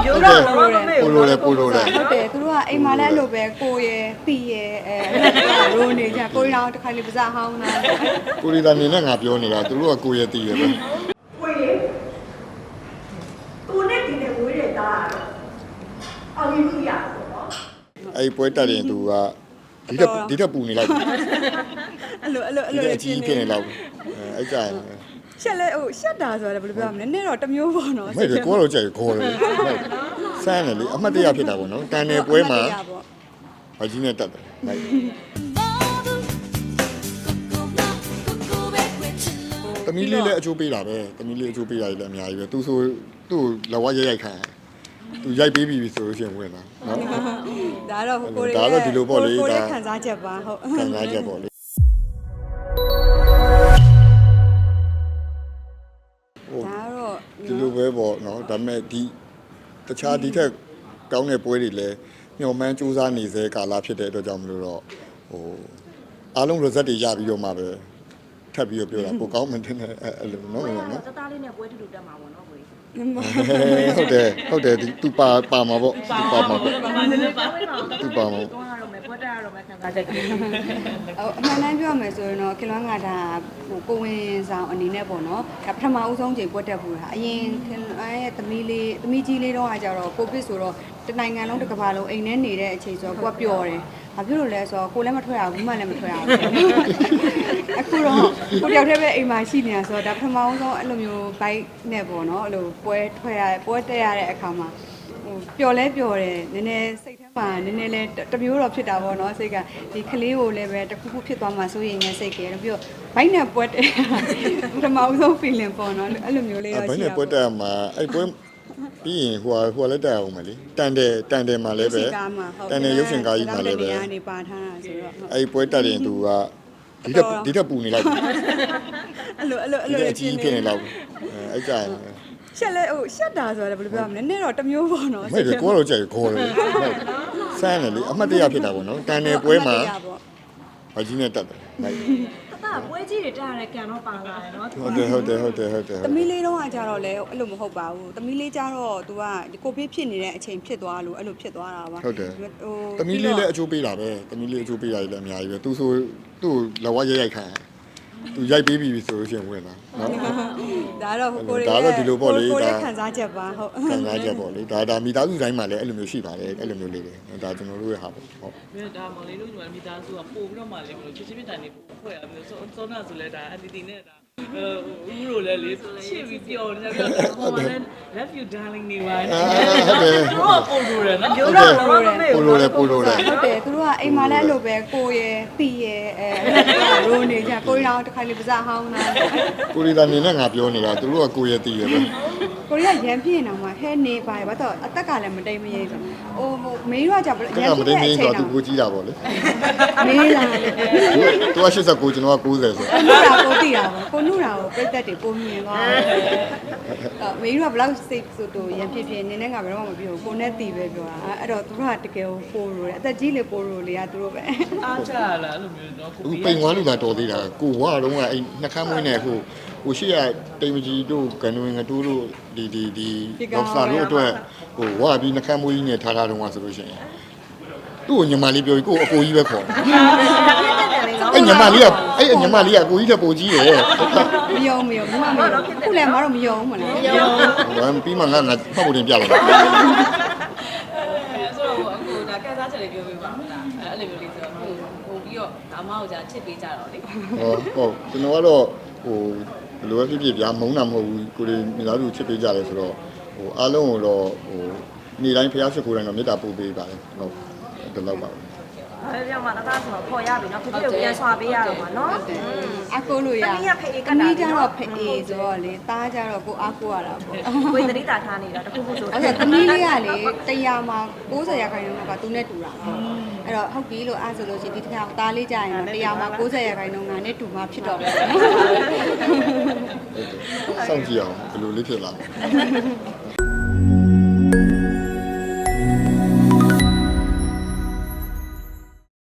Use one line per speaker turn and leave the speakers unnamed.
မျိုးတော့တော့မမေ့ဘူး
ပိုလိုတယ်
ဟုတ်တယ်သူတို့ကအိမ်မှာလည်းအဲ့လိုပဲကိုရယ်တီရယ်ရိုးနေကြကိုရောင်တစ်ခါလေးပါးစပ်ဟောင်းလာ
ကိုရီတာနေနဲ့ငါပြောနေတာသူတို့ကကိုရတည်ရပဲ
ဝေးသူနဲ့ဒီနဲ့ဝေးတဲ့သားကတော့အောင်မြင်မှုရပါတော့နော်
အဲ့ပွဲတက်ရင်သူကဒီထက်ပူနေလိုက်
အဲ့လို
ဒီအကြီးဖြစ်နေလောက်အဲ့ကြရင်
ရှက်လဲဟိုရှက်တာဆိုတော့ဘယ်လိုပြောမလဲနည်းနည်းတော့တစ်မျိုးပေါ့နော်
မဲ့ကိုတော့ကြိုက်ခေါ်တယ်စမ်းတယ်လေအမှတ်တရဖြစ်တာပေါ့နော်တန်တယ်ပွဲမှာဘာကြီးနဲ့တက်တယ်လိုက်တမီးလေးလည်းအချိုးပေးတာပဲတမီးလေးအချိုးပေးတာလည်းအများကြီးပဲသူဆိုသူ့လက်ဝါးရိုက်ခံသူရိုက်ပေးပြီဆိုလို့ရှိရင်ဝင်လာနော်
ဒါတော့ကိုရီ
ဒါတော့ဒီလိုပေါ့လေ
ကိုရီ
ဒါ
ခံစားချက်ပါဟုတ်
ခံစားချက်ပေါ့လေ
ဒါတော့
ဒီလိုပဲပေါ့နော်ဒါပေမဲ့ဒီတခြားဒီထက်ကောင်းတဲ့ပွဲတွေလည်းမျှော်မှန်းစူးစမ်းနေစေကာလဖြစ်တဲ့အတွက်ကြောင့်မလို့တော့ဟိုအားလုံး result တွေရပြီးတော့မှပဲထပ်ပြီးတော့ပြောတာပိုကောင်းမှန်းတင်တယ်အဲ့လိုနော်နော်နော်
စသားလေးနဲ့ပွဲတူတူတက်မှာပေါ့နော်ကိုကြီး
ဟုတ်တယ်သူပါမှာပေါ့သူပါမှာပေါ့သူပါမှာ
တော့ရတော့မယ်ပွဲတက်ရတော့မယ်ခံစားချက်က
အမှန်တမ်းပြောမယ်ဆိုရင်တော့ခင်လွမ်းကဒါဟိုကိုဝင်ဆောင်အနေနဲ့ပေါ့နော်ဒါပထမဦးဆုံးချိန်ပွက်တက်ဘူးတာအရင်ခင်လွမ်းရဲ့သမီးကြီးလေးတော့ကကြတော့ကိုဗစ်ဆိုတော့တနိုင်ငံလုံးတစ်ကမ္ဘာလုံးအိမ်ထဲနေတဲ့အချိန်ဆိုတော့ကိုကပျော်တယ်ဘာဖြစ်လို့လဲဆိုတော့ကိုလည်းမထွက်ရဘူးမှလည်းမထွက်ရဘူးအခုတော့ကိုတယောက်တည်းပဲအိမ်မှာရှိနေတာဆိုတော့ဒါပထမဦးဆုံးအဲ့လိုမျိုးဘိုက်နဲ့ပေါ့နော်အဲ့လိုပွဲတက်ရတဲ့အခါမှာဟိုပျော်လဲပျော်တယ်နည်းနည်းစိတ်ထဲမှာနည်းနည်းလဲတမျိုးတော့ဖြစ်တာပေါ့နော်စိတ်ကဒီကလေးကိုလည်းပဲတစ်ခုခုဖြစ်သွားမှစိုးရိမ်နေစိတ်ကဲပြီးတော့ဘိုက်နဲ့ပွဲတက်ပထမဦးဆုံး feeling ပေါ့နော်အဲ့လိုမျိုးလေးတော့
ဘယ်
ရှိ
နဲ့
တာ
ပွဲတက်မှာအဲ့ပွဲပြီးရင်ဟိုလည်းတက်အောင်မလေတန်တယ်မှာလည်းပဲတန်တယ်ရုပ်ရှင်ကားကြီးမှာလည်းပဲ
နေပါထားတာဆိုတော့
အဲ့ပွဲတက်ရင်သူကဒီထက်ပူနေလိုက်
အဲ့လို
ဒီအကြီးဖြစ်နေလောက်အဲ့ကြရင်
ရှက်လဲဟိုရှက်တာဆိုတော့ဘယ်လိုပြောမလဲနည်းနည်းတော့တစ်မျိုးပေါ့နော်
မဲ့ကိုတော့ကြိုက်ခေါ်တယ်စမ်းတယ်လေအမှတ်တရဖြစ်တာပေါ့နော်တန်တယ်ပွဲမှာဘာကြီးနဲ့တက်တယ်လိုက်
တသားပွဲကြီးတွေတက်ရတဲ့ကံတော့ပါလာတယ်နော်
ဟုတ်တယ်
သမီးလေးတော့ကကြတော့လဲအဲ့လိုမဟုတ်ပါဘူးသမီးလေးကြတော့ तू ကကိုဗစ်ဖြစ်နေတဲ့အချိန်ဖြစ်သွားလို့အဲ့လိုဖြစ်သွားတာပါ
ဟုတ်တယ်တမီးလေးလည်းအချိုးပေးတာပဲတမီးလေးအချိုးပေးတာလည်းအများကြီးပဲသူဆိုသူ့လက်ဝါးရိုက်ခံသူရိုက်ပေးပြီဆိုလို့ရှိရင်ဝင်လာနော်
ဒါတော့ကိုရီ
ဒါတော့ဒီလိုပေါ့လေ
ကိုရီ
ဒါ
ခံစားချက်ပါဟုတ်
ခံစားချက်ပေါ့လေဒါမိသားစုတိုင်းမှာလည်းအဲ့လိုမျိုးရှိပါတယ်အဲ့လိုမျိုးလေးတွေဒါကျွန်တော်တို့ရဲ့ဟာပေါ့ဟုတ်
မြေဒါမော်လေးတို့ညီမမိသားစုကပို့ပြီးတော့မှလေဘလို့ချစ်ချင်းမြတ်တန်လေးပို့ဖွဲ့ရပြီးတော့စောနာဆိုလဲဒါအန်တီနဲ့ဒါဦးတို့လည်းလေချစ်ပြီးပျော်နေကြပြီးတော့ဟိုလည်း love you darling နေပါနဲ့တော့ပို့လို့ရနော်
မျိုးတော့တော့မမေ့
ပို
ဘူး
လိုတယ်ပိုလိုတယ်
ဟုတ်တယ်သူတို့ကအိမ်မှာလည်းအဲ့လိုပဲကိုရယ်တီရယ်ရိုးနေကြကိုရောင်တစ်ခါလေးပါးစပ်ဟောင်းလာ
ကိုရီတာနေနဲ့ငါပြောနေတာသူတို့ကကိုရတည်ရပဲ
ကိုရီကရမ်းပြင်းနေတာမှာဟဲနေပါဘာတော့အသက်ကလည်းမတိမ်မရိပ်ဆိုဟိုမေးတော့ကြဘ
တ
ရ
က်က
မ်း
မ
ပြ
တိ
င်း
မ်
တဲ့အ
မင်း
ချိန်
ဆို
တော့
သူကိုကြီးတာပေါ့လေ
မေးလာတယ်
သူက89ကျွန်တော်က90ဆို
ကိုနုရာကိုသိတာပေါ့ကိုနုရာကိုပြတ်တက်တွေပုံမြင်သွားတယ်မေးတော့ဘလောက်စိတ်ဆိုတော့ရမ်းပြင်းပြင်းနင်းနဲ့ငါဘယ်တော့မှမပြောဘူးကိုနဲ့တီပဲပြောတာအဲ့တော့သူတို့ကတကယ်ကိုပိုးလို့တယ်အသက်ကြီးလေပိုးလို့လေကသူတို့ပဲ
အားချလာအဲ့လိုမျိုးတော့ကို
သူပိန်ဝါလူလာတော်သေးတာကိုဝါတော့ကအဲ့နှခမ်းမွေးနေဟိုရှိရတိမ်မကြီးတို့ကနဝင်ငတိုးတို့ဒီဒေါက်တာတို့အတွက်ဟိုဝါပြီးနှခမ်းမွေးကြီးနဲ့ထားတော့ဆိုလို့ရှိရင်သူ့ကိုညီမလေးပြောပြီးကိုအကိုကြီးပဲခေါ်အဲ့ညီမလေးကအဲ့ညီမလေးကကိုကြီးတဲ့ပုံကြီးတယ်
မယုံမယုံဘူးမယုံခုလည်းမတော့မယုံမလား
ဟိုပြီးမှငါမှတ်ဖို့တင်ပြလိုက်
ဆိုတော့အခုဒါကန်စားချက်လေးပြောပြပါဦးလားအဲ့လိုမျိုးလေးဆိုတော့ဟိုပြီးတော့ဒါမဟုတ်ကြချစ်ပေးကြတော့လေ
ဟုတ်ကျွန်တော်ကတော့ဟိုဘယ်လိုပဲဖြစ်ဖြစ်ဗျာမုန်းတာမဟုတ်ဘူးကိုယ်မိသားစုချစ်ပေးကြတယ်ဆိုတော့ဟိုအားလုံးကိုတော့ဟိုနေ့တိုင်းဖျားရှိခိုးတိုင်းတော့မေတ္တာပို့ပေးပါတယ်ဟုတ်ဒီလောက်ပါပဲ
အဲ့ဒီမှာတသားဆိုတော့ခေါ်ရပြီနော်ဖြစ်ဖြစ်ပြန်ဆွာပေးရတော့မှာနော်
အကိုလို့ရ
သမီးကဖေးအေးက
အ
တာ
မီးကြတော့ဖေးအေးဆိုတော့လေသားကြတော့ကိုအားကိုရတာပေါ့
ကိုယ်တတိတာထားနေတာတခုခုဆို
အဲ့ဒါသမီးလေးကလေ100မှာ90ရာခိုင်နှုန်းကသူနဲ့တူတာပေါ့အဲ့တော့ဟုတ်ပြီလို့အားဆိုလို့ရှိရင်ဒီတစ်ခါသားလေးကြာရင်တော့100မှာ90ရာခိုင်နှုန်းကနဲ့တူမှဖြစ်တော့မယ်
စောင့်ကြည့်အောင်ဘယ်လိုလေးဖြစ်လာလဲ